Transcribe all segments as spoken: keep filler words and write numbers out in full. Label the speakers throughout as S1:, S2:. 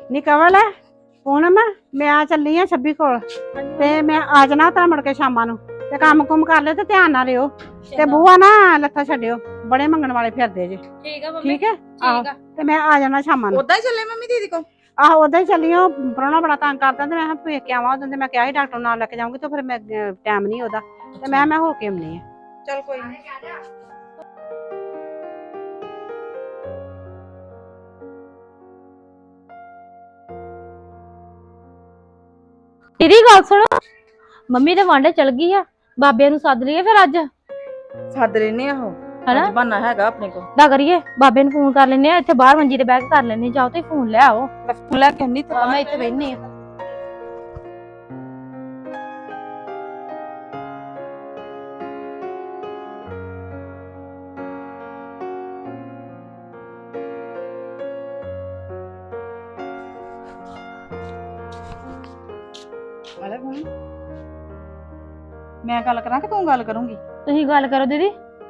S1: ਨੀ ਕਵਲ ਪੂਨਮ ਮੈਂ ਆ ਚੱਲੀ ਆ ਛੱਬੀ ਕੋਲ ਤੇ ਮੈਂ ਆ ਜਾਣਾ ਤਾਂ ਮੁੜ ਕੇ ਸ਼ਾਮਾਂ ਨੂੰ ਤੇ ਕੰਮ ਕੁਮ ਕਰ ਲਿਓ ਤੇ ਧਿਆਨ ਨਾਲ ਰਿਓ ਤੇ ਬੂਆ ਨਾ ਲੱਥਾ ਛੱਡਿਓ ਬੜੇ ਮੰਗਣ ਵਾਲੇ ਫਿਰਦੇ ਜੇ।
S2: ਠੀਕ ਆ ਮੰਮੀ
S1: ਠੀਕ ਹੈ ਆਹੋ
S2: ਠੀਕ ਆ।
S1: ਤੇ ਮੈਂ ਆ ਜਾਣਾ ਸ਼ਾਮਾਂ ਨੂੰ।
S3: ਉਦਾਂ ਹੀ ਚੱਲੇ ਮੰਮੀ ਦੀਦੀ ਕੋ?
S1: ਆਹੋ ਉਦਾਂ ਹੀ ਚੱਲੀ ਆ। ਪ੍ਰਾਹੁਣਾ ਬੜਾ ਤੰਗ ਕਰਦਾ ਤੇ ਮੈਂ ਕਿਹਾ ਵੇਖ ਕੇ ਆਵਾਂ। ਉਦੋਂ ਤੇ ਮੈਂ ਕਿਹਾ ਸੀ ਡਾਕਟਰ ਨਾਲ ਲੈ ਕੇ ਜਾਊਂਗੀ ਤੇ ਫਿਰ ਮੈਂ ਟਾਈਮ ਨਹੀਂ ਉਹਦਾ ਤੇ ਮੈਂ ਮੈਂ ਹੋ ਕੇ ਆਉਣੀ ਆ।
S3: ਚੱਲ ਕੋਈ ਨੀ।
S2: ਤੇਰੀ ਗੱਲ ਸੁਣੋ, ਮੰਮੀ ਤੇ ਵਾਂਡੇ ਚਲ ਗਈ ਆ, ਬਾਬੇ ਨੂੰ ਸੱਦ ਲਈਏ ਫਿਰ ਅੱਜ।
S3: ਸੱਦ ਲੈਨੇ ਆ ਉਹ
S2: ਹਨਾ
S3: ਅੱਜ ਬਹਾਨਾ ਹੈਗਾ ਆਪਣੇ ਕੋਲ।
S2: ਦਾ ਕਰੀਏ ਬਾਬੇ ਨੂੰ ਫੋਨ ਕਰ ਲੈਨੇ ਆ, ਇੱਥੇ ਬਾਹਰ ਮੰਜੀ ਤੇ ਬਹਿ ਕੇ ਕਰ ਲੈਨੇ। ਜਾਓ ਤੇ ਫੋਨ ਲੈ ਆਓ।
S3: ਮੈਂ ਫੋਨ ਲੈ ਕੇ ਆਉਣੀ ਤੇ
S2: ਮੈਂ ਇੱਥੇ ਬੈਠਨੀ ਆ।
S3: ਵਾਲੇ ਫੋਨ ਮੈਂ ਗੱਲ ਕਰਾਂ ਕਿ ਤੂੰ ਗੱਲ ਕਰੂੰਗੀ?
S2: ਤੁਸੀਂ ਗੱਲ ਕਰੋ ਦੀਦੀ।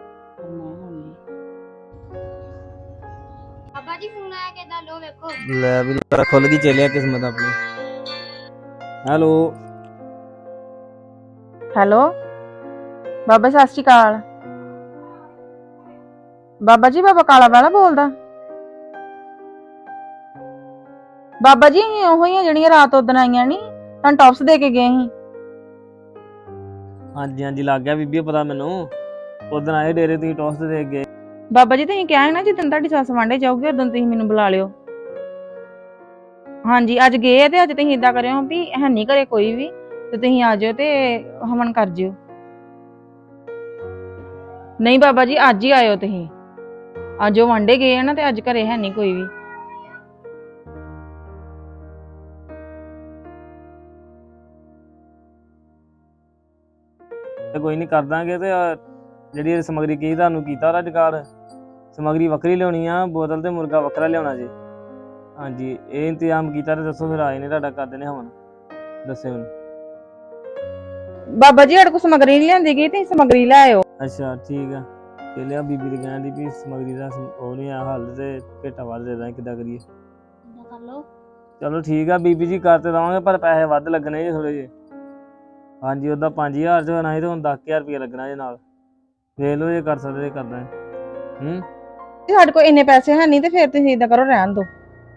S4: ਬਾਬਾ ਜੀ ਫੋਨ ਆਇਆ ਕਿਦਾਂ ਲੋ ਵੇਖੋ।
S5: ਲੈ ਵੀ ਤੇਰਾ ਖੁੱਲ ਗਈ ਚੱਲਿਆ ਕਿਸਮਤ ਆਪਣੀ। ਹੈਲੋ
S3: ਹੈਲੋ ਬਾਬਾ ਸਤਿ ਸ਼੍ਰੀ ਅਕਾਲ। ਬਾਬਾ ਜੀ ਬਾਬਾ ਕਾਲਾ ਵਾਲਾ ਬੋਲਦਾ? ਬਾਬਾ ਜੀ ਅਸੀਂ ਉਹੋ ਹੀ ਆ ਜਿਹੜੀਆਂ ਰਾਤ ਉਦਣ ਆਈਆਂ ਨੀ, ਤੁਹਾਨੂੰ ਟੌਪਸ ਦੇ ਕੇ ਗਏ ਸੀ।
S5: ਹਾਂਜੀ ਹਾਂਜੀ ਲੱਗ ਗਿਆ ਬੀਬੀ ਪਤਾ ਮੈਨੂੰ। ਉਦੋਂ ਆਏ ਡੇਰੇ ਤੁਸੀਂ ਟੌਸ ਤੇ ਦੇਖ ਗਏ।
S3: ਬਾਬਾ ਜੀ ਤੁਸੀਂ ਕਿਹਾ ਹੈ ਨਾ ਜਿੱਦਣ ਤੁਹਾਡੀ ਸੱਸ ਵਾਂਡੇ ਜਾਊਗੀ ਉਦੋਂ ਤੁਸੀਂ ਮੈਨੂੰ ਬੁਲਾ ਲਿਓ। ਹਾਂਜੀ ਅੱਜ ਗਏ ਆ ਤੇ ਅੱਜ ਤੁਸੀਂ ਏਦਾਂ ਕਰਿਓ ਵੀ ਹੈ ਨਹੀਂ ਘਰੇ ਕੋਈ ਵੀ ਤੇ ਤੁਸੀਂ ਆ ਜਾਓ ਤੇ ਹਵਨ ਕਰ ਜਿਓ। ਨਹੀਂ ਬਾਬਾ ਜੀ ਅੱਜ ਹੀ ਆਇਓ ਤੁਸੀਂ। ਅੱਜ ਉਹ ਵਾਂਡੇ ਗਏ ਆ ਨਾ ਤੇ ਅੱਜ ਘਰੇ ਹੈ ਨਹੀਂ ਕੋਈ ਵੀ।
S5: ਤੇ ਕੋਈ ਨਹੀਂ ਕਰ ਦਾਂਗੇ। ਤੇ ਜਿਹੜੀ ਸਮੱਗਰੀ ਕੀ ਤੁਹਾਨੂੰ ਕੀਤਾ ਉਹਦਾ ਜੁਗਾੜ, ਸਮੱਗਰੀ ਵੱਖਰੀ ਲਿਆਉਣੀ ਆ, ਬੋਤਲ ਤੇ ਮੁਰਗਾ ਵੱਖਰਾ ਲਿਆਉਣਾ ਜੀ। ਹਾਂਜੀ ਇਹ ਇੰਤਜ਼ਾਮ ਕੀਤਾ ਤੇ ਦੱਸੋ ਫਿਰ ਆਏ ਨੇ ਤੁਹਾਡਾ ਕਰ ਦੇਣੇ ਹਵਨ। ਦੱਸਿਓ ਹੁਣ।
S3: ਬਾਬਾ ਜੀ ਸਾਡੇ ਕੋਲ ਸਮੱਗਰੀ ਨਹੀਂ ਲਿਆਂਦੀ ਗਈ ਤੇ ਸਮੱਗਰੀ ਲੈ ਆਇਓ।
S5: ਅੱਛਾ ਠੀਕ ਆ। ਤੇ ਲਿਆ ਬੀਬੀ ਦੀ ਕਹਿਣ ਦੀ ਵੀ ਸਮੱਗਰੀ ਦਾ ਉਹ ਨਹੀਂ ਆ ਹੱਲ ਤੇ ਭੇਟਾ ਵੱਧ ਦੇ ਦਾਂ ਕਿੱਦਾਂ ਕਰੀਏ।
S4: ਇਦਾਂ ਕਰ ਲੋ।
S5: ਚਲੋ ਠੀਕ ਆ ਬੀਬੀ ਜੀ ਕਰ ਤੇ ਦਵਾਂਗੇ ਪਰ ਪੈਸੇ ਵੱਧ ਲੱਗਣੇ ਜੀ ਥੋੜੇ ਜਿਹੇ। ਹਾਂਜੀ ਉਹਦਾ ਪੰਜ ਹਜ਼ਾਰ ਚ ਹੋਣਾ ਸੀ ਤੇ ਹੁਣ ਦਸ ਹਜ਼ਾਰ ਰੁਪਇਆ ਲੱਗਣਾ ਜੇ ਨਾਲ। ਵੇਖ ਲਓ ਜੇ ਕਰ ਸਕਦੇ ਕਰਦਾ। ਹੂੰ
S3: ਸਾਡੇ ਕੋਲ ਇੰਨੇ ਪੈਸੇ ਹੈ ਨਹੀਂ ਤੇ ਫਿਰ ਤੁਸੀਂ ਏਦਾਂ ਕਰੋ ਰਹਿਣ ਦਿਓ।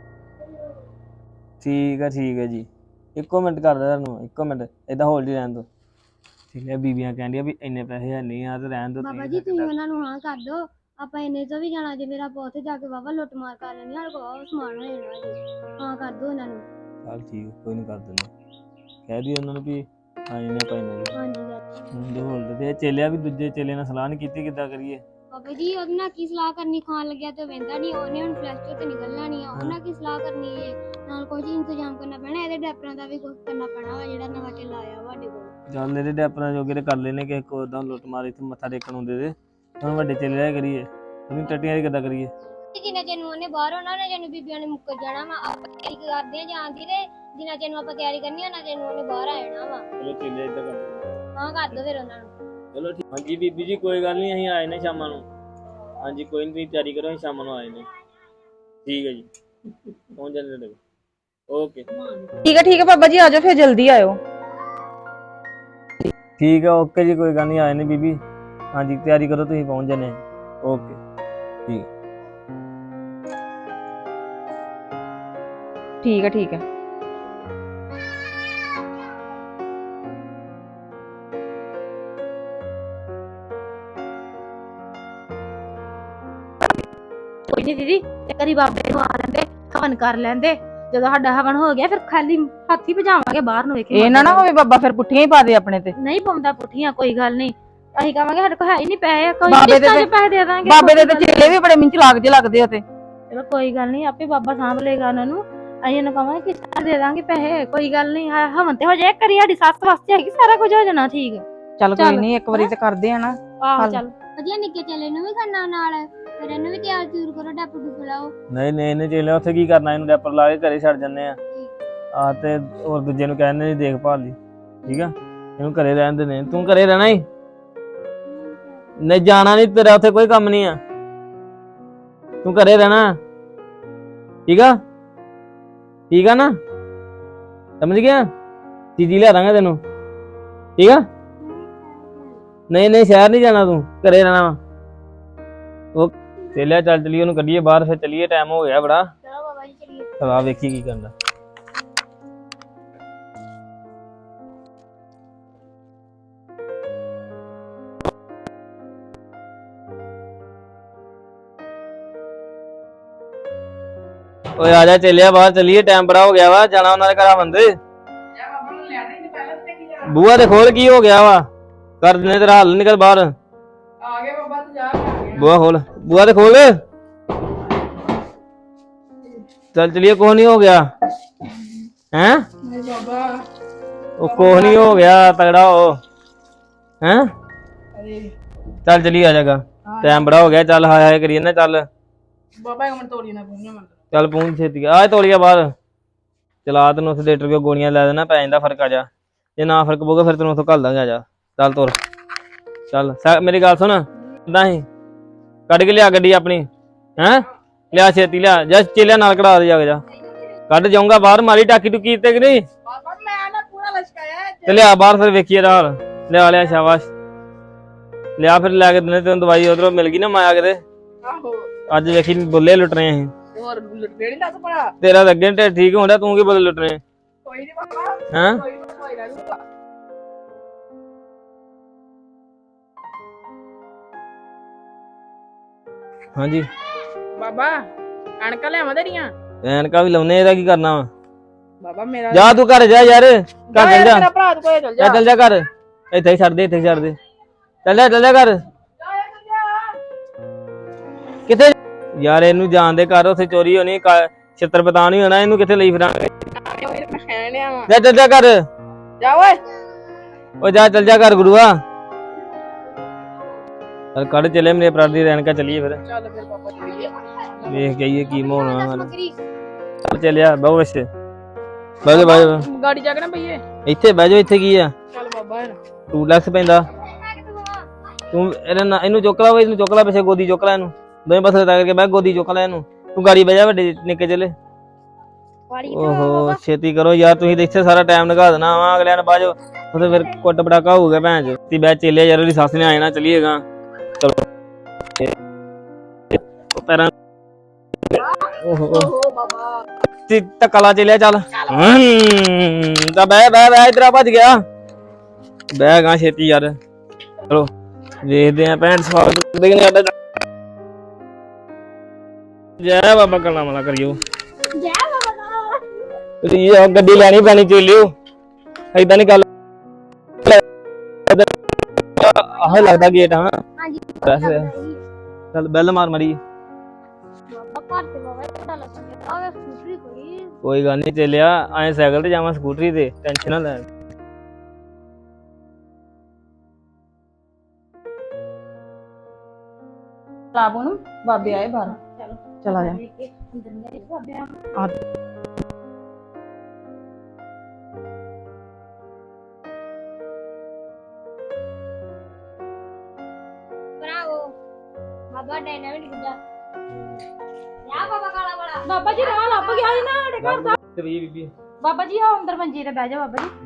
S5: ਠੀਕ ਆ ਠੀਕ ਹੈ ਜੀ। ਇੱਕੋ ਮਿੰਟ ਕਰਦਾ ਤੁਹਾਨੂੰ, ਇੱਕੋ ਮਿੰਟ ਏਦਾਂ ਹੋਲਡ ਹੀ ਰਹਿਣ ਦਿਓ। ਠੀਕ ਹੈ ਬੀਬੀਆਂ ਕਹਿੰਦੀਆਂ ਵੀ ਇੰਨੇ ਪੈਸੇ ਹੈ ਨਹੀਂ ਆ ਤੇ ਰਹਿਣ ਦਿਓ।
S4: ਬਾਬਾ ਜੀ ਤੁਸੀਂ ਉਹਨਾਂ ਨੂੰ ਹਾਂ ਕਰ ਦੋ, ਆਪਾਂ ਇੰਨੇ ਤੋਂ ਵੀ ਜਾਣਾ। ਜੇ ਮੇਰਾ ਆਪਾਂ ਉੱਥੇ ਜਾ ਕੇ ਵਾਵਾ ਲੁੱਟ ਮਾਰ ਕਰ ਲੈਣੀ, ਸਾਡੇ ਕੋਲ ਸਮਾਨ ਹੋ ਜਾਣਾ ਜੀ। ਹਾਂ ਕਰ ਦੋ ਉਹਨਾਂ ਨੂੰ।
S5: ਚੱਲ ਠੀਕ ਕੋਈ ਨਹੀਂ ਕਰ ਦਿੰਦੇ। ਕਹਿ ਦਿਓ ਉਹਨਾਂ ਨੂੰ ਵੀ ਆ ਇਹਨੇ ਭਾਈ ਨੇ
S4: ਹਾਂਜੀ
S5: ਜੀ ਹੋਲਡ ਤੇ ਚੇਲਿਆ ਵੀ ਦੂਜੇ ਚੇਲੇ ਨਾਲ ਸਲਾਹ ਨਹੀਂ ਕੀਤੀ ਕਿੱਦਾਂ ਕਰੀਏ।
S4: ਬਾਬਾ ਜੀ ਉਹਦੇ ਨਾਲ ਕੀ ਸਲਾਹ ਕਰਨੀ, ਖਾਣ ਲੱਗਿਆ ਤੇ ਵਹਿੰਦਾ ਨਹੀਂ, ਉਹਨੇ ਹੁਣ ਫਲੈਸ਼ ਤੇ ਨਿਕਲਣਾ ਨਹੀਂ ਆ। ਉਹਨਾਂ ਕੀ ਸਲਾਹ ਕਰਨੀ ਹੈ, ਨਾਲ ਕੁਝ ਇੰਤਜ਼ਾਮ ਕਰਨਾ ਪੈਣਾ। ਇਹਦੇ ਡੈਪਰਾਂ ਦਾ ਵੀ ਕੁਝ ਕਰਨਾ ਪੈਣਾ ਵਾ ਜਿਹੜਾ ਨਵਾਂ ਚੇਲਾ ਆਇਆ ਸਾਡੇ ਕੋਲ।
S5: ਚੱਲ ਇਹਦੇ ਡੈਪਰਾਂ ਜੋਗੇ ਤੇ ਕਰ ਲੈਨੇ ਕਿਸੇ ਕੋ ਓਦਾਂ ਲੁੱਟ ਮਾਰ ਇੱਥੇ ਮੱਥਾ ਟੇਕਣ ਹੁੰਦੇ ਤੇ ਹੁਣ ਵੱਡੇ ਚੇਲੇ ਦਾ ਕਰੀਏ। ਉਹਨੂੰ ਟੱਟੀਆਂ ਦੀ ਕਿੱਦਾਂ ਕਰੀਏ।
S4: ਜਿੰਨਾ ਚਿਰ ਨੂੰ ਉਹਨੇ ਬਾਹਰ ਆਉਣਾ ਨਾ, ਜਿਹਨੂੰ ਬੀਬੀਆਂ ਨੇ ਮੁੱਕਰ ਜਾਣਾ ਵਾ। ਆਪਾਂ ਤਿਆਰੀ ਕਰਦੇ ਆ ਜਾਣ ਦੀ ਤੇ ਜਿੰਨਾ ਚਿਰ ਨੂੰ ਆਪਾਂ ਤਿਆਰੀ ਕਰਨੀ ਉਹਨਾਂ ਚਿਰ ਨੂੰ ਉਹਨੇ ਬਾਹਰ ਆ ਜਾਣਾ ਵਾ।
S5: ਚਲੋ ਚੇਲੇ ਏਦਾਂ ਕਰਦੇ
S4: ਹਾਂ ਕਰ ਦੋ ਫਿਰ ਉਹਨਾਂ ਨੂੰ।
S5: ਚਲੋ ਠੀਕ। ਹਾਂਜੀ ਬੀਬੀ ਜੀ ਕੋਈ ਗੱਲ ਨਹੀਂ ਅਸੀਂ ਆਏ ਨੇ ਸ਼ਾਮਾਂ ਨੂੰ। ਹਾਂਜੀ ਕੋਈ ਨਹੀਂ ਤੁਸੀਂ ਤਿਆਰੀ ਕਰੋ ਅਸੀਂ ਸ਼ਾਮਾਂ ਨੂੰ ਆਏ ਨੇ। ਠੀਕ ਹੈ ਜੀ ਪਹੁੰਚ ਜਾਂਦੇ ਤੁਹਾਡੇ ਕੋਲ। ਓਕੇ
S3: ਠੀਕ ਹੈ ਠੀਕ ਹੈ ਬਾਬਾ ਜੀ ਆ ਜਾਓ ਫਿਰ ਜਲਦੀ ਆਇਓ।
S5: ਠੀਕ ਹੈ ਓਕੇ ਜੀ ਕੋਈ ਗੱਲ ਨਹੀਂ ਆਏ ਨੇ ਬੀਬੀ। ਹਾਂਜੀ ਤਿਆਰੀ ਕਰੋ ਤੁਸੀਂ ਪਹੁੰਚ ਜਾਣੇ। ਓਕੇ ਠੀਕ
S3: ਠੀਕ ਹੈ ਠੀਕ ਹੈ।
S2: ਕੋਈ ਨਹੀਂ ਦੀਦੀ, ਇੱਕ ਵਾਰੀ ਬਾਬੇ ਨੂੰ ਆ ਲੈਂਦੇ, ਹਵਨ ਕਰ ਲੈਂਦੇ। ਜਦੋਂ ਸਾਡਾ ਹਵਨ ਹੋ ਗਿਆ ਫਿਰ ਖਾਲੀ ਹੱਥ ਹੀ ਭਜਾਵਾਂਗੇ ਬਾਹਰ ਨੂੰ। ਵੇਖੇ
S3: ਇਹ ਨਾ ਨਾ ਹੋਵੇ ਬਾਬਾ ਫਿਰ ਪੁੱਠੀਆਂ ਹੀ ਪਾ ਦੇ ਆਪਣੇ ਤੇ।
S2: ਨਹੀਂ ਪਾਉਂਦਾ ਪੁੱਠੀਆਂ, ਕੋਈ ਗੱਲ ਨਹੀਂ। ਅਸੀਂ ਕਹਾਂਗੇ ਸਾਡੇ ਕੋਲ ਹੈ ਹੀ ਨਹੀਂ ਪੈਸੇ, ਕੋਈ
S3: ਬਾਬੇ ਦੇ
S2: ਕਿਸ਼ਤਾਂ 'ਚ
S3: ਤੇ-
S2: ਪੈਸੇ ਦੇ ਦਾਂਗੇ।
S3: ਬਾਬੇ ਦੇ ਤੇ ਚੇਲੇ ਵੀ ਬੜੇ ਮਿੰਚ ਲਾਗ ਜੇ ਲੱਗਦੇ ਆ ਤੇ।
S2: ਚਲੋ ਕੋਈ ਗੱਲ ਨਹੀਂ, ਆਪੇ ਬਾਬਾ ਸਾਂਭ ਲਏਗਾ ਉਹਨਾਂ ਨੂੰ। ਅਸੀਂ ਉਹਨੂੰ ਕਹਾਂਗੇ ਕਿਸ਼ਤਾਂ ਦੇ ਦਾਂਗੇ ਪੈਸੇ, ਕੋਈ ਗੱਲ ਨਹੀਂ। ਹਵਨ ਤੇ ਹੋ ਜਾਏ ਕਰੀ, ਸਾਡੀ ਸੱਸ ਵਾਸਤੇ ਹੈਗੀ, ਸਾਰਾ ਕੁਝ ਹੋ ਜਾਣਾ ਠੀਕ।
S3: ਚੱਲ ਕੋਈ ਨਹੀਂ ਇੱਕ ਵਾਰੀ ਤੇ ਕਰਦੇ ਆ ਨਾ।
S2: ਆਹੋ ਚੱਲ
S4: ਵਧੀਆ ਨਿੱਕੇ ਚੇਲੇ ਨੂੰ ਵੀ ਕਰਨਾ ਨਾਲ, ਫਿਰ ਇਹਨੂੰ ਵੀ ਤਿਆਰ ਤਿਉਰ ਕਰੋ, ਡੱਪ ਡੁੱਪ ਲਾਓ।
S5: ਨਹੀਂ ਨਹੀਂ ਇਹਨੇ ਚੇਲੇ ਉੱਥੇ ਕੀ ਕਰਨਾ, ਇਹਨੂੰ ਡੈਪਰ ਲਾ ਕੇ ਘਰੇ ਛੱਡ ਜੰਨੇ ਆ। ਆ ਤੇ ਹੋਰ ਦੂਜੇ ਨੂੰ ਕਹਿੰਦੇ ਨਹੀਂ ਦੇਖਭਾਲ ਲਈ। ਠੀਕ ਆ ਇਹਨੂੰ ਘਰੇ ਰਹਿਣ ਦੇ ਨੇ। ਤੂੰ ਘਰੇ ਰਹਿਣਾ ਹੀ ਨਹੀਂ, ਜਾਣਾ ਨਹੀਂ, ਤੇਰਾ ਉੱਥੇ ਕੋਈ ਕੰਮ ਨਹੀਂ ਆ। ਤੂੰ ਘਰੇ ਰਹਿਣਾ ਠੀਕ ਆ। ਠੀਕ ਆ ਨਾ, ਸਮਝ ਗਿਆ? ਚੀਜ਼ੀ ਲਿਆ ਦਾਂਗੇ ਤੈਨੂੰ, ਠੀਕ ਆ? ਨਹੀਂ ਨਹੀਂ ਸ਼ਹਿਰ ਨਹੀਂ ਜਾਣਾ, ਤੂੰ ਘਰੇ ਰਹਿਣਾ ਵਾ। ਉਹ ਚੇਲਿਆ ਚੱਲ ਚਲੀਏ, ਉਹਨੂੰ ਕੱਢੀਏ ਬਾਹਰ, ਫਿਰ ਚਲੀਏ, ਟਾਈਮ ਹੋ ਗਿਆ ਬੜਾ।
S4: ਚਲੋ ਬਾਬਾ ਜੀ ਚਲੀਏ।
S5: ਚਲਾ ਵੇਖੀ ਕੀ ਕਰਦਾ। ਓਏ ਆ ਜਾ ਚੇਲਿਆ, ਬਾਹਰ ਚਲੀਏ, ਟਾਈਮ ਬੜਾ ਹੋ ਗਿਆ ਵਾ, ਜਾਣਾ ਉਹਨਾਂ ਦੇ ਘਰਾਂ ਬੰਦੇ। ਬੂਆ ਤੇ ਖੋਲ, ਕੀ ਹੋ ਗਿਆ ਵਾ? ਕਰ ਦਿਨੇ ਤੇਰਾ ਹੱਲ, ਨਿਕਲ ਬਾਹਰ।
S3: ਆ ਗਏ ਬਾਬਾ ਤੇ ਜਾ ਕੇ
S5: ਬੂਆ ਖੋਲ, ਬੂਆ ਤੇ ਖੋਲ। ਚੱਲ ਚਲੀਏ, ਕੁਛ ਨਹੀਂ ਹੋ ਗਿਆ। ਹੈਂ?
S3: ਨਹੀਂ ਬਾਬਾ,
S5: ਉਹ ਕੁਛ ਨਹੀਂ ਹੋ ਗਿਆ, ਤਗੜਾ ਹੋ। ਹੈਂ? ਚੱਲ ਚਲੀ ਆ ਜਾਗਾ, ਟਾਈਮ ਬੜਾ ਹੋ ਗਿਆ। ਚੱਲ ਹਾਏ ਹਾਏ ਕਰੀਏ ਨਾ, ਚੱਲ
S3: ਬਾਬਾ ਇੱਕ ਮਿੰਟ ਤੋੜੀ ਨਾ ਪੂੰਝ ਮੈਂ।
S5: ਚੱਲ ਪਹੁੰਚ ਛੇਤੀ ਆ ਤੋਲੀਆ ਬਾਹਰ। ਚਲਾ ਤੈਨੂੰ ਉੱਥੇ ਡਾਕਟਰ ਕੋਲ ਗੋਲੀਆਂ ਲੈ ਦੇਣਾ, ਪੈ ਜਾਂਦਾ ਫਰਕ। ਆ ਜਾ, ਜੇ ਨਾ ਫਰਕ ਪਊਗਾ ਫਿਰ ਤੈਨੂੰ ਉੱਥੋਂ ਘੱਲ ਦਾਂਗੇ। ਆ ਜਾ ਚੱਲ ਤੁਰ, ਚੱਲ ਮੇਰੀ ਗੱਲ ਸੁਣ, ਕਿੱਦਾਂ ਸੀ? ਕੱਢ ਕੇ ਲਿਆ ਗੱਡੀ ਆਪਣੀ। ਹੈਂ? ਲਿਆ ਛੇਤੀ ਲਿਆ, ਜਾ ਚੇਲਿਆ ਨਾਲ ਕਢਾ ਦੇ, ਜਾ ਕੇ ਜਾ। ਕੱਢ ਜਾਊਂਗਾ ਬਾਹਰ, ਮਾਰੀ ਟਾਕੀ ਟੁਕੀ ਤੇ ਕਿ ਨਹੀਂ?
S3: ਬਾਬਾ ਮੈਂ ਨਾ ਪੂਰਾ ਲਸ਼ਕਾਇਆ
S5: ਤੇ ਲਿਆ ਬਾਹਰ, ਫਿਰ ਵੇਖੀਏ ਰਾਲ। ਲਿਆ ਲਿਆ, ਸ਼ਾਬਾਸ਼ ਲਿਆ। ਫਿਰ ਲੈ ਕੇ ਦਿਨੇ ਤੈਨੂੰ ਦਵਾਈ ਉਧਰੋਂ ਮਿਲ ਗਈ ਨਾ, ਮਾਇਆ ਕਿਤੇ।
S3: ਆਹੋ
S5: ਅੱਜ ਵੇਖੀ ਬੁੱਲੇ ਲੁੱਟਣੇ ਅਸੀਂ।
S3: ਹੋਰ ਲੁੱਟਦੇ ਨਹੀਂ ਦੱਸ ਭਰਾ।
S5: ਤੇਰਾ ਤਾਂ ਅੱਗੇ ਢਿੱਡ ਠੀਕ ਹੁੰਦਾ, ਤੂੰ ਕੀ ਬੁੱਲੇ ਲੁੱਟਣੇ?
S3: ਕੋਈ ਨਹੀਂ ਬਾਬਾ,
S5: ਹੈਂ?
S3: ਕੋਈ ਨਹੀਂ ਹੋਈ ਨਾ ਲੂਗਾ।
S5: ਹਾਂਜੀ
S3: ਬਾਬਾ ਅਣਕਾ ਲਿਆਵਾਂ ਤੇਰੀਆਂ?
S5: ਐਨਕਾਂ ਵੀ ਲਾਉਨੇ, ਇਹਦਾ ਕੀ ਕਰਨਾ ਵਾ?
S3: ਬਾਬਾ ਮੇਰਾ
S5: ਜਾ ਤੂੰ ਘਰ ਜਾ ਯਾਰ, ਘਰ ਚੱਲ ਜਾ।
S3: ਮੇਰਾ ਭਰਾ ਤੂੰ ਕੋਲੇ ਚੱਲ ਜਾ।
S5: ਚੱਲ ਜਾ ਘਰ, ਇੱਥੇ ਹੀ ਛੱਡ ਦੇ, ਇੱਥੇ ਹੀ ਛੱਡ ਦੇ। ਚੱਲ ਜਾ, ਚੱਲ ਜਾ ਘਰ। ਕਿੱਥੇ ਯਾਰ? ਇਹਨੂੰ ਜਾਣ ਦੇ ਘਰ, ਉੱਥੇ ਚੋਰੀ ਹੋਣੀ, ਛਿੱਤਰ ਪਤਾ ਨਹੀਂ ਹੋਣਾ, ਇਹਨੂੰ ਕਿੱਥੇ ਲਈ ਫਿਰਾਂਗੇ?
S3: ਮੈਂ ਖੈਣ ਲਿਆ ਵਾਂ।
S5: ਜਾ ਚੱਲ ਜਾ ਘਰ।
S3: ਜਾ ਓਏ,
S5: ਉਹ ਜਾ ਚੱਲ ਜਾ ਘਰ ਗੁਰੂਆ। ਚੱਲ ਕੱਢ ਚਲੇ ਮੇਰੇ ਭਰਾ ਦੀ ਐਨਕਾਂ, ਚੱਲੀਏ ਫਿਰ।
S3: ਚੱਲ ਫਿਰ ਬਾਬਾ ਚੱਲੀਏ।
S5: ਵੇਖ ਜਾਈਏ ਕੀ ਮੋਹਣਾ ਹਾਲ।
S4: ਸਮੱਗਰੀ
S5: ਚੱਲ ਚੱਲਿਆ, ਬਹੁ ਵੈਸੇ ਬਹਿ ਜਾ, ਬਹਿ ਜਾ।
S3: ਗਾੜੀ ਜਾ ਕੇ ਨਾ ਬਈਏ।
S5: ਇੱਥੇ ਬਹਿ ਜਾ, ਇੱਥੇ ਕੀ ਆ?
S3: ਚੱਲ ਬਾਬਾ ਯਾਰ
S5: ਟੂ ਲੈਕਸ ਪੈਂਦਾ। ਤੂੰ ਇਹਨੂੰ ਇਹਨੂੰ ਚੁੱਕ ਲਾ, ਇਹਨੂੰ ਚੁੱਕ ਲਾ, ਪਿੱਛੇ ਗੋਦੀ ਚੁੱਕ ਲੈ ਇਹਨੂੰ, ਦੋਵੇਂ ਪਾਸੇ ਲੱਗ ਕੇ ਬਹਿ, ਗੋਦੀ ਚੁੱਕ ਲੈ ਇਹਨੂੰ। ਤੂੰ ਗਾੜੀ ਬਹਿ ਜਾ, ਵੱਡੇ ਨਿੱਕੇ ਚਲੇ।
S4: ਵਾੜੀ
S5: ਓਹੋ ਛੇਤੀ ਕਰੋ ਯਾਰ, ਤੁਸੀਂ ਤਾਂ ਇੱਥੇ ਸਾਰਾ ਟਾਈਮ ਲਗਾ ਦੇਣਾ ਵਾ, ਅਗਲਿਆਂ ਨੇ ਬਾਅਦ ਉਹਦੇ ਫਿਰ ਕੁੱਟ ਪਟਾਕਾ ਹੋਊਗਾ ਭੈਣ ਚ। ਤੀ ਬਹਿ ਚੇਲਿਆ ਯਾਰ, ਉਹਦੀ ਸੱਸ ਨੇ ਆ ਜਾਣਾ, ਚੱਲੀਏਗਾ। ਚਲੋ ਪੈਰਾਂ ਓਹੋ
S3: ਬਾਬਾ।
S5: ਤੀ ਧੱਕਾ ਲਾ ਚੇਲਿਆ, ਚੱਲ। ਹਮ ਤਾਂ ਬਹਿ ਬਹਿ ਬਹਿ, ਇਧਰ ਆ, ਭੱਜ ਗਿਆ। ਬਹਿ ਗਾ ਛੇਤੀ ਯਾਰ। ਚਲੋ ਵੇਖਦੇ ਆ ਭੈਣ ਸਵਾਗਤ ਦੇ ਸਾਡਾ। ਜੈ ਬਾਬਾ ਕਲਾ ਮਲਾ ਕਰਿਓ।
S4: ਜੈ ਬਾਬਾ।
S5: ਤੁਸੀਂ ਆਹ ਗੱਡੀ ਲੈਣੀ ਪੈਣੀ, ਚੇਲਿਓ ਏਦਾਂ ਨਹੀਂ ਗੱਲ। ਆਹ ਲੱਗਦਾ ਗੇਟ। ਹਾਂ
S4: ਹਾਂਜੀ
S5: ਵੈਸੇ ਚੱਲ ਬੈਲ ਮਾਰ ਮੜੀ।
S4: ਬਾਬਾ ਘਰ ਤੇ ਬਾਬਾ ਪਤਾ ਲੱਗਿਆ ਆ ਸਕੂਟਰੀ ਕੋਈ।
S5: ਕੋਈ ਗੱਲ ਨਹੀਂ ਚੇਲਿਆ, ਐਂ ਸਾਈਕਲ ਤੇ ਜਾਵਾਂ, ਸਕੂਟਰੀ ਤੇ ਟੈਨਸ਼ਨ ਨਾ ਲੈ।
S3: ਲਾਬੂ ਨੂੰ ਬਾਬੇ ਆਏ ਬਾਹਰ।
S4: ਚਲੋ
S3: ਚਲਾ ਜਾ।
S4: ਅੰਦਰ ਗਏ ਬਾਬੇ ਆ। ਬਰਾਵੋ ਬਾਬਾ ਡਾਇਨਾਮਿਕ ਗੁੱਡਾ। ਯਾ ਬਾਬਾ ਕਾਲਾ ਵਾਲਾ।
S2: ਬਾਬਾ ਜੀ ਰਾਹ ਲੱਭ ਗਿਆ ਸੀ ਨਾ ਸਾਡੇ ਘਰ ਦਾ।
S5: ਤੇ ਵੀ ਬੀਬੀ
S2: ਬਾਬਾ ਜੀ ਆਓ ਅੰਦਰ ਮੰਜੀ ਤੇ ਬਹਿ ਜਾ ਬਾਬਾ ਜੀ।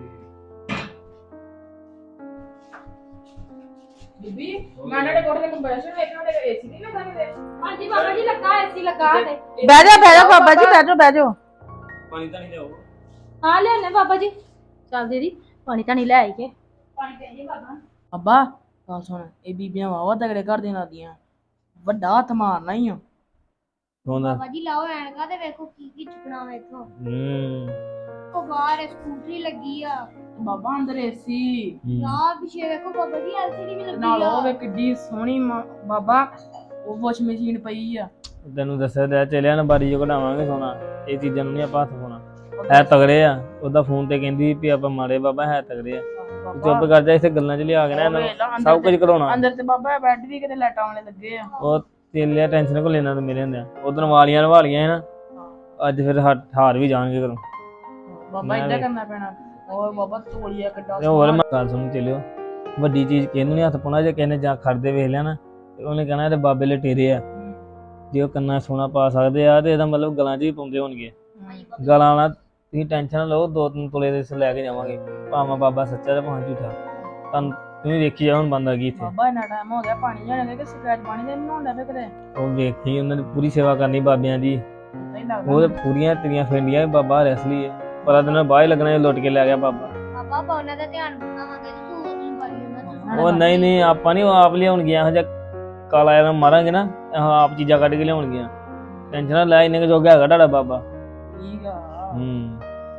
S3: ਬੀਬੀ ਮੈਂ ਨਾਲੇ ਕੋਠੇ ਤੇ ਕੰਪਰੈਸਰ ਵੇਖਣਾ ਤੇ ਏਸੀ ਨਹੀਂ ਲੱਗਾ ਕਿਤੇ।
S2: ਹਾਂਜੀ ਬਾਬਾ ਜੀ ਲੱਗਾ ਏਸੀ ਲੱਗਾ ਤੇ।
S3: ਬਹਿ ਜਾ ਬਹਿ ਜਾ ਬਾਬਾ ਜੀ, ਬਹਿ ਜਾ ਬਹਿ ਜਾ।
S5: ਪਾਣੀ ਤਾਂ ਨਹੀਂ ਲਿਆਓ।
S2: ਹਾਂ ਲਿਆਨੇ ਬਾਬਾ ਜੀ। ਚੱਲ ਦੀਦੀ ਪਾਣੀ ਤਾਂ ਨਹੀਂ ਲੈ ਆਈ ਕੇ। ਪਾਣੀ ਪੀ ਜੀ ਬਾਬਾ।
S3: ਅੱਬਾ ਗੱਲ ਸੁਣ, ਇਹ ਬੀਬੀਆਂ ਵਾਵਾ ਤਗੜੇ ਘਰ ਦੀਆਂ ਲੱਗਦੀਆਂ, ਵੱਡਾ ਹੱਥ ਮਾਰਨਾ ਹੀ ਆ।
S5: ਹੁੰਦਾ
S4: ਬਾਬਾ ਜੀ ਲਾਓ ਐਨਕਾਂ ਤੇ ਵੇਖੋ ਕੀ ਕੀ ਚੁੱਕਣਾ ਵੇਖੋ।
S5: ਹੂੰ
S4: ਉਹ ਬਾਹਰ ਸਕੂਟਰੀ ਲੱਗੀ ਆ।
S3: ਬਾਬਾ ਅੰਦਰ ਏਸੀ
S4: ਯਾਰ ਪਿੱਛੇ ਵੇਖੋ ਬਾਬਾ ਜੀ ਐਲਸੀਡੀ ਵੀ ਲੱਗੀ
S3: ਨਾਲ ਉਹ
S4: ਆ।
S3: ਵੇ ਕਿੱਡੀ ਸੋਹਣੀ ਮਾਂ- ਬਾਬਾ ਉਹ ਵਾਸ਼ ਮਸ਼ੀਨ ਪਈ ਆ।
S5: ਤੈਨੂੰ ਦੱਸਿਆ ਤੇ ਚੇਲਿਆ ਨਾ ਬਾਰੀ ਜੋ ਕਢਾਵਾਂਗੇ ਸੋਨਾ, ਇਹ ਚੀਜ਼ਾਂ ਨੂੰ ਨਹੀਂ ਆਪਾਂ ਹੱਥ ਪਾਉਣਾ। ਹੈ ਤਗੜੇ ਆ, ਉਹਦਾ ਫੋਨ ਤੇ ਕਹਿੰਦੀ ਵੀ ਆਪਾਂ ਮਾੜੇ ਬਾਬਾ ਹੈ ਤਗੜੇ ਆ। ਚੁੱਪ ਕਰ ਜਾ, ਇੱਥੇ ਗੱਲਾਂ ਚ ਲਿਆ ਕੇ ਨਾ ਇਹਨਾਂ ਨੂੰ ਸਭ ਕੁਝ ਕਰਾਉਣਾ।
S3: ਅੰਦਰ ਤੇ ਬਾਬਾ ਬੈੱਡ ਵੀ ਕਿਤੇ ਲਾਈਟਾਂ ਵਾਲੇ ਲੱਗੇ ਆ।
S5: ਉਹ ਚੇਲਿਆ ਟੈਨਸ਼ਨ ਕੋ ਲੈਣਾ ਤੇ ਮੇਰੇ ਹੁੰਦੇ ਆ। ਉਧਰ ਵਾਲੀਆਂ ਨਵਾਲੀਆਂ ਹੈ ਨਾ, ਅੱਜ ਫਿਰ ਹਾ- ਹਾਰ ਵੀ ਜਾਣਗੇ ਘਰੋਂ।
S3: ਬਾਬਾ ਇਦਾਂ ਕਰਨਾ ਪੈਣਾ। ਹੋਰ ਬਾਬਾ ਤੋਲੀਆ ਕਿੱਡਾ
S5: ਤੇ ਹੋਰ ਮੈਂ ਗੱਲ ਸੁਣ ਚਲਿਓ, ਵੱਡੀ ਚੀਜ਼ ਕਿਹਨੂੰ ਨਹੀਂ ਹੱਥ ਪਾਉਣਾ। ਜੇ ਕਹਿੰਦੇ ਜਾਂ ਖੜਦੇ ਵੇਖ ਲਿਆ ਨਾ ਤੇ ਉਹਨੇ ਕਹਿਣਾ ਇਹਦੇ ਬਾਬੇ ਲਟੇਰੇ ਆ। ਜੇ ਉਹ ਕੰਨਾਂ ਸੋਨਾ ਪਾ ਸਕਦੇ ਆ ਤੇ ਇਹਦਾ ਮਤਲਬ ਗਲਾਂ 'ਚ ਵੀ ਪਾਉਂਦੇ ਹੋਣਗੇ। ਗਾਲਾਂ ਵਾਲਾ ਤੁਸੀਂ ਟੈਨਸ਼ਨ ਨਾ ਲਓ, ਦੋ ਤਿੰਨ ਤੋਲੇ ਦੇ ਲੈ ਕੇ ਜਾਵਾਂਗੇ, ਭਾਵੇਂ ਬਾਬਾ ਸੱਚਾ ਤੇ ਭਾਵੇਂ ਝੂਠਾ। ਤੁਹਾਨੂੰ ਤੁਸੀਂ ਵੇਖੀ ਜਾ ਹੁਣ ਬੰਦਾ ਕੀ ਇੱਥੇ।
S3: ਬਾਬਾ ਇੰਨਾ ਟਾਈਮ ਹੋ ਗਿਆ ਪਾਣੀ ਜਾਣੇ ਕਿ ਸਕੈਚ ਪਾਣੀ ਦੇ ਨਹਾਉਂਦਾ ਫੇ ਕਿਤੇ
S5: ਉਹ ਵੇਖੀ ਉਹਨਾਂ ਦੀ ਪੂਰੀ ਸੇਵਾ ਕਰਨੀ ਬਾਬਿਆਂ ਦੀ,
S3: ਨਹੀਂ ਲੱਗਦਾ
S5: ਉਹ ਤੇ ਪੂਰੀਆਂ ਤੇਰੀਆਂ ਫੇਂਡੀਆਂ ਵੀ ਬਾਬਾ ਰੈਸਲੀ ਹੈ, ਪਤਾ ਦਿਨ ਬਾਹਰ ਹੀ ਲੱਗਣਾ ਲੁੱਟ ਕੇ ਲੈ ਗਿਆ ਬਾਬਾ।
S4: ਪਾਪਾ ਆਪਾਂ ਉਹਨਾਂ ਦਾ ਧਿਆਨ ਰੱਖਾਂਗੇ ਤੇ ਤੂੰ ਉਹਨੂੰ ਪਾਲੀ ਉਹਨਾਂ ਦਾ।
S5: ਉਹ ਨਹੀਂ ਨਹੀਂ ਆਪਾਂ ਨਹੀਂ ਆਪ ਲਿਆਉਣਗੀਆਂ, ਇਹੋ ਜਿਹਾ ਕਾਲਾ ਜਿਹਾ ਮਾਰਾਂਗੇ ਨਾ, ਇਹੋ ਆਪ ਚੀਜ਼ਾਂ ਕੱਢ ਕੇ ਲਿਆਉਣਗੀਆਂ। ਟੈਨਸ਼ਨ ਨਾ ਲੈ, ਇੰਨੇ ਕੁ ਜੋਗਾ ਹੈਗਾ ਤੁਹਾਡਾ ਬਾਬਾ।
S3: ਠੀਕ ਆ
S5: ਹੂੰ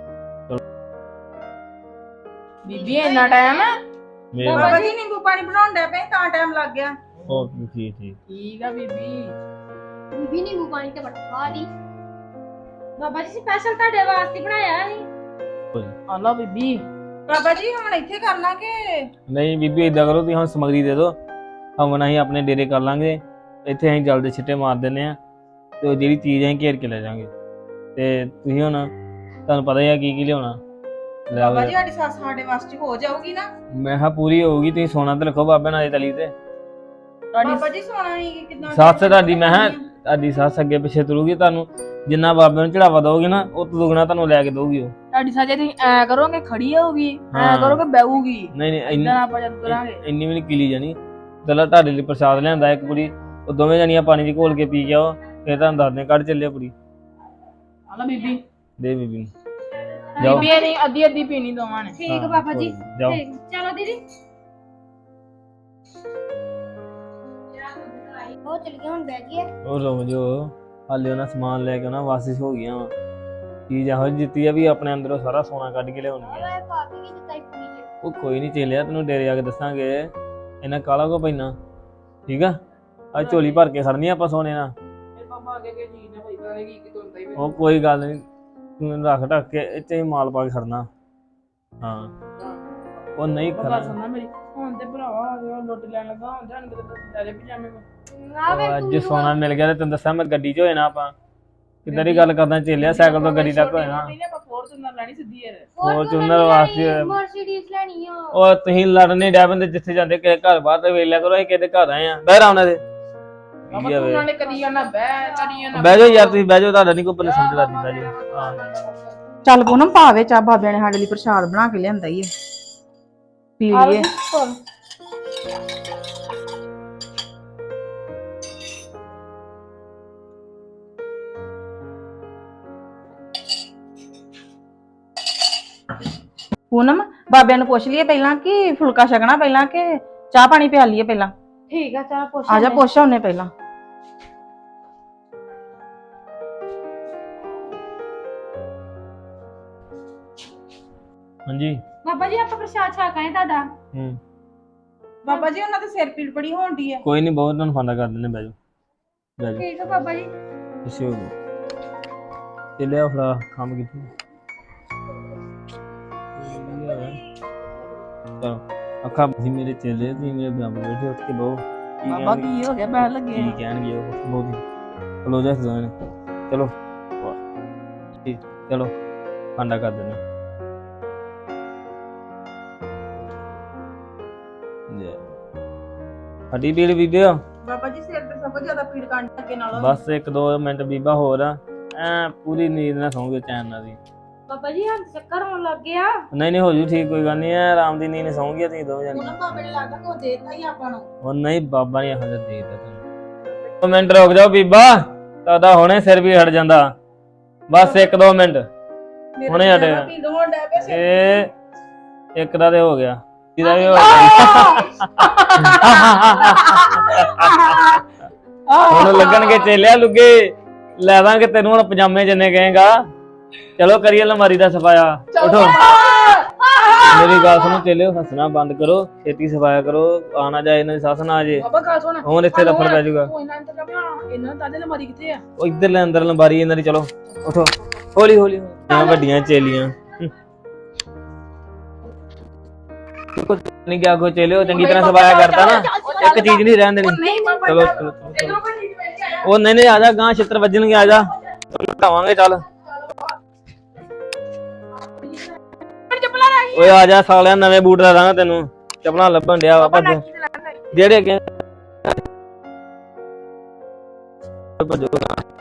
S3: ਬੀਬੀ ਇੰਨਾ ਟਾਈਮ
S5: ਮੇਰੇ
S3: ਬਾਬਾ ਜੀ ਨਿੰਬੂ ਪਾਣੀ ਬਣਾਉਣ ਡੈ ਪਏ ਤਾਂ ਟਾਈਮ ਲੱਗ ਗਿਆ।
S5: ਉਹ ਠੀਕ ਠੀਕ
S3: ਠੀਕ ਆ ਬੀਬੀ।
S4: ਬੀਬੀ ਨਿੰਬੂ ਪਾਣੀ ਤੇ ਬਟਵਾ ਦੀ।
S2: ਬਾਬਾ ਜੀ ਸਪੈਸ਼ਲ ਤੁਹਾਡੇ ਵਾਸਤੇ ਬਣਾਇਆ ਸੀ।
S3: ਆ ਲਓ ਬੀਬੀ। ਬਾਬਾ ਜੀ ਹੁਣ ਇੱਥੇ ਕਰਨਾ ਕਿ
S5: ਨਹੀਂ ਬੀਬੀ ਏਦਾਂ ਕਰੋ, ਤੁਸੀਂ ਹੁਣ ਸਮਗਰੀ ਦੇ ਦਿਓ, ਹਮਨ ਅਸੀਂ ਆਪਣੇ ਡੇਰੇ ਕਰ ਲਾਂਗੇ, ਇੱਥੇ ਅਸੀਂ ਜਲਦੀ ਛਿੱਟੇ ਮਾਰ ਦਿੰਨੇ ਆ ਤੇ ਉਹ ਜਿਹੜੀ ਚੀਜ਼ ਅਸੀਂ ਘੇਰ ਕੇ ਲੈ ਜਾਾਂਗੇ। ਤੇ ਤੁਸੀਂ ਹੁਣ ਤੁਹਾਨੂੰ ਪਤਾ ਹੀ ਆ ਕੀ ਕੀ ਲਿਆਉਣਾ ਲੈ ਆਓ।
S3: ਬਾਬਾ ਜੀ ਸਾਡੀ ਸੱਸ ਸਾਡੇ ਵਾਸਤੇ ਹੋ ਜਾਊਗੀ ਨਾ?
S5: ਮੈਂ ਕਿਹਾ ਪੂਰੀ ਹੋਊਗੀ, ਤੁਸੀਂ ਸੋਨਾ ਤੇ ਰੱਖੋ ਬਾਬੇ ਨਾਲ ਤਲੀ ਤੇ।
S3: ਬਾਬਾ ਜੀ ਸੋਣਾ ਨਹੀਂ ਕਿਦਾਂ?
S5: ਸੱਸ ਤੁਹਾਡੀ, ਮੈਂ ਕਿਹਾ ਤੁਹਾਡੀ ਸੱਸ ਅੱਗੇ ਪਿੱਛੇ ਤੁਰੂਗੀ, ਤੁਹਾਨੂੰ ਜਿੰਨਾ ਬਾਬੇ ਨੂੰ ਚੜਾਵਾ ਦੋਗੇ ਨਾ ਉਹ ਤੋਂ ਦੁੱਗਣਾ ਤੁਹਾਨੂੰ ਲੈ ਕੇ ਦੋਗੀ ਉਹ।
S3: ਤੁਹਾਡੀ ਸੱਜੇ ਤੁਸੀਂ ਐ ਕਰੋਗੇ ਖੜੀ ਹੋਊਗੀ, ਐ
S5: ਹਾਂ।
S3: ਕਰੋਗੇ ਬੈਊਗੀ,
S5: ਨਹੀਂ ਨਹੀਂ ਇੰਨੀ
S3: ਇਦਾਂ ਆਪਾਂ ਜਦ ਤੁਰਾਂਗੇ।
S5: ਇੰਨੀ ਵੀ ਨਹੀਂ ਕੀਲੀ ਜਾਣੀ। ਪਹਿਲਾਂ ਤੁਹਾਡੇ ਲਈ ਪ੍ਰਸ਼ਾਦ ਲਿਆਂਦਾ ਇੱਕ ਕੁੜੀ, ਉਹ ਦੋਵੇਂ ਜਣੀਆਂ ਪਾਣੀ 'ਚ ਘੋਲ ਕੇ ਪੀ ਗਿਆ ਉਹ, ਫਿਰ ਤੁਹਾਨੂੰ ਦੱਸਦੇ ਕੱਢ ਚੱਲਿਆ ਕੁੜੀ।
S3: ਆ ਲਓ ਬੀਬੀ।
S5: ਦੇ ਬੀਬੀ ਨੂੰ ਜਾਓ।
S3: ਬੀਬੀ ਨਹੀਂ ਅੱਧੀ ਅੱਧੀ ਪੀਣੀ ਦੋਵਾਂ ਨੇ।
S2: ਠੀਕ ਬਾਬਾ ਜੀ,
S5: ਜਾਓ।
S2: ਠੀਕ ਚਲੋ ਦੀਦੀ।
S4: ਉਹ ਚਲ ਗਿਆ ਹੁਣ ਬਹਿ ਗਈ।
S5: ਉਹ ਰੁਕ ਜੋ, ਹਾਲੇ ਉਹਨਾਂ ਸਮਾਨ ਲੈ ਕੇ ਉਹਨਾਂ ਵਾਸਿਸ ਹੋ ਗਈਆਂ ਵਾ, ਚੀਜ਼ ਇਹੋ ਜਿਹੀ ਦਿੱਤੀ ਆ ਵੀ ਆਪਣੇ ਅੰਦਰੋਂ ਸਾਰਾ ਸੋਨਾ ਕੱਢ ਕੇ ਲਿਆਉਣੀ ਆ।
S4: ਮੈਂ ਪਾ ਕੇ ਨਹੀਂ ਦਿੱਤਾ ਇੱਕ ਨੀਚੇ।
S5: ਉਹ ਕੋਈ ਨਹੀਂ ਚੇਲਿਆ, ਤੈਨੂੰ ਡੇਰੇ ਆ ਕੇ ਦੱਸਾਂਗੇ ਇਹਨਾਂ ਕਾਲਾ ਕੋ ਪੈਣਾ, ਠੀਕ ਆ। ਅੱਜ ਝੋਲੀ ਭਰ ਕੇ ਖੜਨੀ ਆਪਾਂ ਸੋਨੇ ਨਾਲ।
S3: ਇਹ ਬਾਬਾ ਅੱਗੇ ਕੀ ਚੀਜ਼ ਨਾ ਹੋਈ ਕਰੇਗੀ ਕਿ ਤੁੰਦਾ ਹੀ
S5: ਉਹ ਕੋਈ ਗੱਲ ਨਹੀਂ, ਤੂੰ ਰੱਖ ਢੱਕ ਕੇ ਇੱਥੇ ਹੀ ਮਾਲ ਪਾ ਕੇ ਖੜਨਾ। ਹਾਂ ਉਹ ਨਹੀਂ
S3: ਬਾਬਾ
S5: ਖੜਾ।
S3: ਸੁਣਨਾ ਮੇਰੀ ਹੁਣ ਤੇ ਭਰਾਵਾ ਆ ਗਿਆ ਲੁੱਟ ਲੈਣ ਲੱਗਾ, ਹੁਣ ਜਾਣ ਕਿਤੇ ਲੈ ਲੈ ਪਜਾਮੇ ਕੋ।
S4: ਆ ਵੇ
S5: ਉਹ ਅੱਜ ਸੋਨਾ ਮਿਲ ਗਿਆ ਤੇ ਤੈਨੂੰ ਦੱਸਾਂ ਮੈਂ ਗੱਡੀ 'ਚ ਹੋਏ ਨਾ ਆਪਾਂ। ਕਿੱਦਾਂ ਦੀ ਗੱਲ ਕਰਦਾ ਚੇਲਿਆ, ਸਾਈਕਲ ਤੋਂ ਗੱਡੀ ਤੱਕ ਹੋਏ ਨਾ।
S3: ਆਪਾਂ ਫੋਰਚੂਨਰ ਲੈਣੀ ਸਿੱਧੀ ਯਾਰ।
S5: ਫੋਰਚੂਨਰ ਵਾਸਤੇ
S4: ਮਰਸੀਡੀਜ਼ ਲੈਣੀ ਆ।
S5: ਉਹ ਤੁਸੀਂ ਲੜਨੇ ਡੈ ਬੰਦੇ ਜਿੱਥੇ ਜਾਂਦੇ ਕਿਸੇ ਘਰ ਬਾਹਰ ਤੇ ਵੇਖ ਲਿਆ ਕਰੋ, ਅਸੀਂ ਕਿਹਦੇ ਘਰ ਆਏ ਆ। ਬਹਿ ਰਾ ਉਹਨਾਂ ਦੇ
S3: ਬਾਬਾ ਤੂੰ ਨਾਲੇ ਕਰੀ ਜਾਣਾ ਬਹਿ ਕਰੀ ਜਾਣਾ।
S5: ਬਹਿ ਜਾਓ ਯਾਰ, ਤੁਸੀਂ ਬਹਿ ਜਾਓ, ਤੁਹਾਡਾ ਨਹੀਂ ਕੋਈ ਪੱਲੇ ਸਮਝਦਾ ਨਹੀਂ, ਬਹਿ ਜਾਓ। ਹਾਂ
S3: ਚੱਲ ਪੂਨਮ ਭਾਵੇ ਚਾ ਬਾਬਿਆਂ ਨੇ ਸਾਡੇ ਲਈ ਪ੍ਰਸ਼ਾਦ ਬਣਾ ਕੇ ਲਿਆਂਦਾ ਹੀ ਹੈ, ਪੀ ਲਈਏ। ਪੂਨਮ ਬਾਬਿਆਂ ਨੂੰ ਪੁੱਛ ਲਈਏ ਪਹਿਲਾਂ ਕਿ ਫੁਲਕਾ ਛਕਣਾ ਪਹਿਲਾਂ ਕਿ ਚਾਹ ਪਾਣੀ ਪਿਆ ਲਈਏ ਪਹਿਲਾਂ।
S2: ਠੀਕ ਆ, ਚਾਹ ਪੁੱਛ
S3: ਆ ਜਾ ਪੁੱਛ ਆਉਨੇ ਪਹਿਲਾਂ।
S5: ਹਾਂਜੀ
S2: ਬਾਬਾ ਜੀ ਆਪਾਂ ਪ੍ਰਸ਼ਾਦ ਛਕ ਆਏ ਤੁਹਾਡਾ।
S5: ਹੂੰ
S3: ਬਾਬਾ ਜੀ ਉਹਨਾਂ ਦੇ ਸਿਰ ਪੀੜ ਬੜੀ ਹੋਣਦੀ ਹੈ।
S5: ਕੋਈ ਨਹੀਂ, ਬਹੁਤ ਤੁਹਾਨੂੰ ਫਾਂਦਾ ਕਰ ਦਿੰਦੇ, ਬਹਿ ਜਾਓ ਬਹਿ ਜਾਓ।
S2: ਠੀਕ ਆ ਬਾਬਾ ਜੀ।
S5: ਪਿੱਛੇ ਹੋ ਜਾਓ, ਚੇਲਿਆ ਫੜਾ ਕੰਮ ਕੀਤੀ। ਚਲੋ ਅੱਖਾਂ ਜੀ ਮੇਰੇ ਚੇਲੇ, ਤੁਸੀਂ ਮੇਰੇ ਬਰਾਬਰ ਬੈਠੇ, ਉੱਠ ਕੇ ਬਹੁ।
S3: ਬਾਬਾ ਕੀ ਹੋ ਗਿਆ ਬਹਿ ਲੱਗੇ
S5: ਕੀ ਕਹਿਣਗੇ ਉਹ ਬਹੁਤ ਹੀ ਕਲੋਜ ਦੋਵੇਂ ਨੇ। ਚਲੋ ਠੀਕ, ਚਲੋ ਫਾਂਦਾ ਕਰ ਦਿੰਦੇ। ਹੱਡੀ ਪੀੜ ਬੀਬਿਓ,
S3: ਬਾਬਾ ਜੀ ਸਿਰ ਤੇ ਸਭ ਤੋਂ ਜ਼ਿਆਦਾ ਪੀੜ ਕਰਨ ਲੱਗੇ ਨਾਲੋਂ।
S5: ਬਸ ਇੱਕ ਦੋ ਮਿੰਟ ਬੀਬਾ ਹੋਰ ਆ, ਐ ਪੂਰੀ ਨੀਂਦ ਨਾਲ ਸੌਂਗੇ ਚੈਨ ਨਾਲ ਦੀ।
S2: ਬਾਬਾ ਜੀ ਹੱਥ ਚੱਕਰ ਹੋਣ ਲੱਗ ਗਿਆ।
S5: ਨਹੀਂ ਨਹੀਂ ਹੋ ਜੂ ਠੀਕ, ਕੋਈ ਗੱਲ ਨਹੀਂ, ਐ ਆਰਾਮ ਦੀ ਨੀਂਦ ਸੌਂਗੀ ਤੁਸੀਂ ਦੋ ਜਣੇ।
S3: ਉਹਨਾਂ ਬਾਬੇ ਨੇ ਲੱਗਦਾ ਕੋ ਦੇਤਾ ਹੀ ਆਪਾਂ ਨੂੰ।
S5: ਉਹ ਨਹੀਂ ਬਾਬਾ ਨੇ ਇਹੋ ਜਿਹਾ ਦੇ ਦਿੱਤਾ ਤੁਹਾਨੂੰ। ਦੋ ਮਿੰਟ ਰੁਕ ਜਾਓ ਬੀਬਾ, ਤੁਹਾਡਾ ਹੁਣੇ ਸਿਰ ਵੀ ਹਟ ਜਾਂਦਾ। ਬਸ ਇੱਕ ਦੋ ਮਿੰਟ ਹੁਣੇ ਹਟੇਗਾ।
S3: ਪੀੜ ਹੋਣ ਡੈ ਪਿਆ ਸਿਰ।
S5: ਇਹ ਇੱਕ ਦਾ ਤੇ ਹੋ ਗਿਆ, ਇਹਦਾ ਵੀ ਹੋ ਗਿਆ। ਹੁਣ ਲੱਗਣਗੇ ਚੇਲਿਆ ਲੁੱਗੇ, ਲੈ ਦਾਂਗੇ ਤੈਨੂੰ ਹੁਣ ਪਜਾਮੇ ਜਿੰਨੇ ਕਹੇਗਾ। ਚਲੋ ਕਰੀਏ ਅਲਮਾਰੀ ਦਾ ਸਫਾਇਆ, ਉਠੋ। ਮੇਰੀ ਗੱਲ ਸੁਣੋ ਚੇਲਿਓ, ਹੱਸਣਾ ਬੰਦ ਕਰੋ, ਛੇਤੀ ਸਫਾਇਆ ਕਰੋ, ਆਣਾ ਜਾਏ ਇਹਨਾਂ ਦੀ ਸੱਸ ਨਾ ਆ ਜੇ।
S3: ਬਾਬਾ ਗੱਲ ਸੁਣ,
S5: ਹੁਣ ਇੱਥੇ ਦਫੜ ਪੈ ਜਾਊਗਾ।
S3: ਉਹ ਇਹਨਾਂ ਤੇ ਕਮਾ ਇਹਨਾਂ ਦਾ ਅਲਮਾਰੀ ਕਿੱਥੇ ਆ?
S5: ਉਹ ਇੱਧਰ ਲੈ ਅੰਦਰ ਅਲਮਾਰੀ ਇਹਨਾਂ ਦੀ। ਚਲੋ ਉਠੋ, ਹੌਲੀ ਹੌਲੀ। ਆ ਵੱਡੀਆਂ ਚੇਲੀਆਂ ਨਹੀਂ ਗਿਆ, ਕੋ ਚੇਲਿਓ ਚੰਗੀ ਤਰ੍ਹਾਂ ਸਫਾਇਆ ਕਰਤਾ ਨਾ, ਇੱਕ ਚੀਜ਼ ਨਹੀਂ ਰਹਿਣ ਦੇਣੀ। ਚਲੋ ਚਲੋ ਚਲੋ। ਉਹ ਨਹੀਂ ਨਹੀਂ ਆ ਜਾ, ਗਾਂ ਛਿੱਤਰ ਵੱਜਣਗੇ, ਆ ਜਾ ਘਾਵਾਂਗੇ। ਚੱਲ ਓਏ ਆ ਜਾ ਸਾਲਿਆ, ਨਵੇਂ ਬੂਟ ਲੈ ਦਾਂਗਾ ਤੈਨੂੰ, ਚੱਪਲਾਂ ਲੱਭਣ ਡਿਆ ਵਾ ਭੱਜ ਜਿਹੜੇ ਅੱਗੇ ਭੱਜੋ।